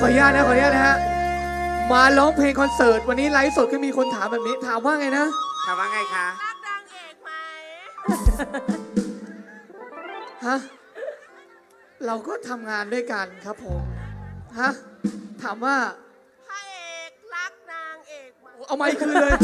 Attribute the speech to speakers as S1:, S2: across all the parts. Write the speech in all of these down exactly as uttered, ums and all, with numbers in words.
S1: ออนุญาตนะขออนุญาตนะฮะมาร้องเพลงคอนเสิร์ตวันนี้ไลฟ์สดก็มีคนถามแบบนี้ถามว่าไงนะ
S2: ถามว่าไงคะ
S3: รักนางเอกไหม
S1: ฮะเราก็ทำงานด้วยกันครับผมฮะถามว่า
S3: พระเอกรักนางเอกไหม
S1: เอาไม้คืนเลย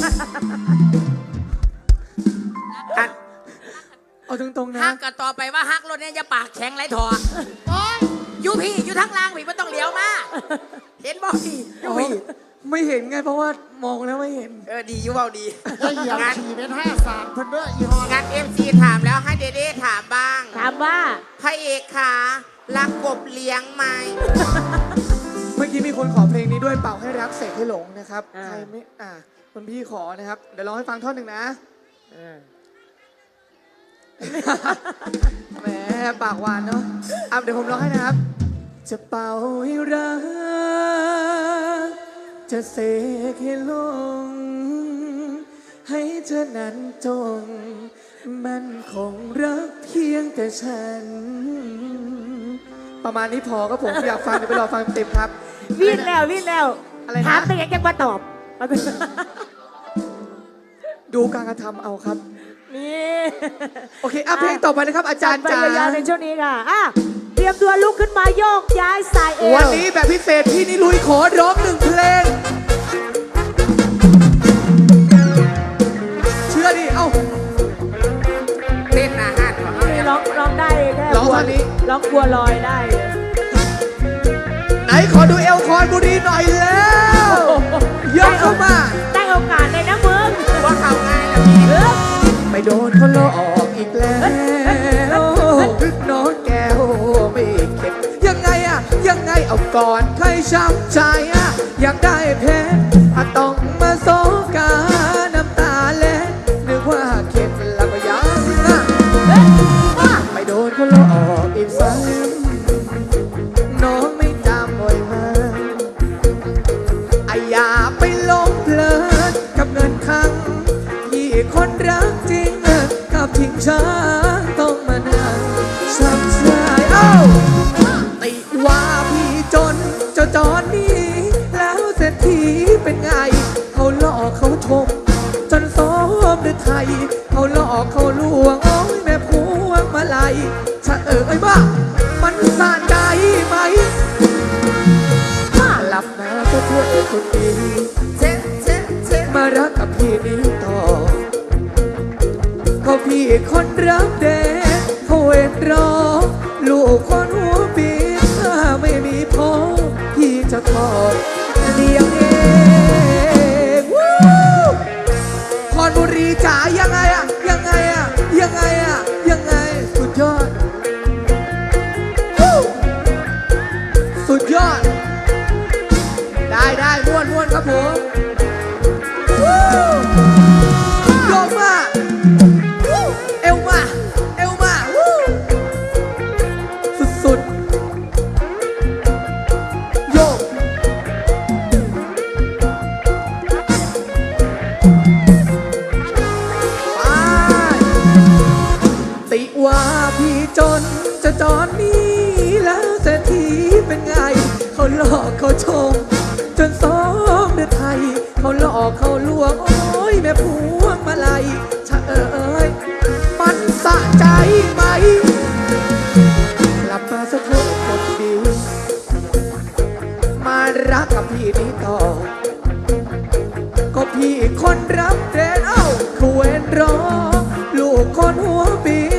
S1: เอาตรงๆนะ
S4: ฮักกันต่อไปว่าฮักรถเนี่ยจะปากแข็งไรถอดโอ้ยอยู่พี่อยู่ทั้งล่างพี่ไม่ต้องเลี้ยวมาเห็นบ่พี่อยู่พี่
S1: ไม่เห็นไงเพราะว่ามองแล้วไม่เห็น
S4: เออดีอยู่เบาดี
S2: งานขี่เป็นห้าสามเพิ่นเด้ออีฮอนงานเอฟซีถามแล้วให้เดเด้ถามบ้าง
S3: ถามว่า
S2: พระเอกขารักกบเลี้ยงไหม
S1: เมื่อกี้มีคนขอเพลงนี้ด้วยเป่าให้รักเสกให้หลงนะครับใครไม่อ่าคนพี่ขอนะครับเดี๋ยวร้องให้ฟังท่อนหนึ่งนะแหมปากหวานเนาะอ่ะเดี๋ยวผมร้องให้นะครับจะเป่าให้รักจะเสกให้หลงให้เธอนั้นจงมันคงรักเพียงแต่ฉันประมาณนี้พอก็ผมอยากฟังเดี๋ยวไปรอฟังเต็มครับ
S3: วิ่งแล้ววิ่งแล้ว
S1: อะไรนะ
S3: ถามไปยังจะมาตอบ
S1: ดูการกระทำเอาครับ
S3: นี่
S1: โอเคอ่ะเพลงต่อไปนะครับอาจารย์จ๋า
S3: ในช่วงนี้ค่ะอ่ะเตรียมตัวลุกขึ้นมาโยกย้ายสายเอว
S1: วันนี้แบบพิเศษพี่นิลุยขอร้องหนึ่งเพลงเชื่อดิเอ้า
S2: เต้นอาหารของเขา
S3: ร้องร้องได้แค่
S1: ร้องตอนนี้
S3: ร้องบัวลอยได้
S1: ไหนขอดูเอลคอนบุรีหน่อยแล้วยกเข้ามา
S3: ได้โอกาสเลยนะมึง
S2: ว่าเขาง่ายนะพี่
S1: ไม่โดนเขาหลอกอีกแล้วน้องแก้วไม่เข็ดยังไงอะยังไงเอาก่อนใครช้ำใจอะอยากได้เพชรต้องมาโซกาน้ำตาเล็ดนึกว่าเข็ดแล้วก็ยังไม่โดนเขาหลอกอีกซ้ำน้องไม่จำบ่อยมาไอ้อย่าไปหลงเพลินกับเงินครั้งที่คนรักจริงกับทิ้งฉันต้องมานั่งช้ำใจเอ้าติว่าพี่จนเจ้าจอนนี้แล้วเศรษฐีเป็นไงเขาหลอกเขาชมจนซ้อมด้วยไทยเขาหลอกเขาลวงโอ้ยแม่พวงมาลัยชะเออไอ้บ้ามันสะใจไหมหลับมาก็เพื่อคนดีเช็ดเช็ดเช็ดมารักกับพี่นี้ต่อเขาพี่คนรักเด็กเขาเวทรอลูกคนหัวปีถ้าไม่มีพ่อพี่จะทอดเลี้ยงเองคอนบุรีจ๋ายังไงอะยังไงอะยังไงอะยังไงสุดยอดสุดยอดได้ได้ม้วนม้วนครับผมโยกมาเอวมาเอวมาสุดๆโยกไปติว่าพี่จนจะจอนนี้แล้วเศรษฐีเป็นไงเขาหลอกเขาชมจนซ้อมด้วยไทยเขาหลอกเขาลวงโอ้ยแม่พวงมาลัยชะเอ๋ยมันสะใจไหมกลับมาสะทนคนดีมารักกับพี่นี้ต่อก็พี่คนรับเรนเอ้าคุยรอลูกคนหัวปี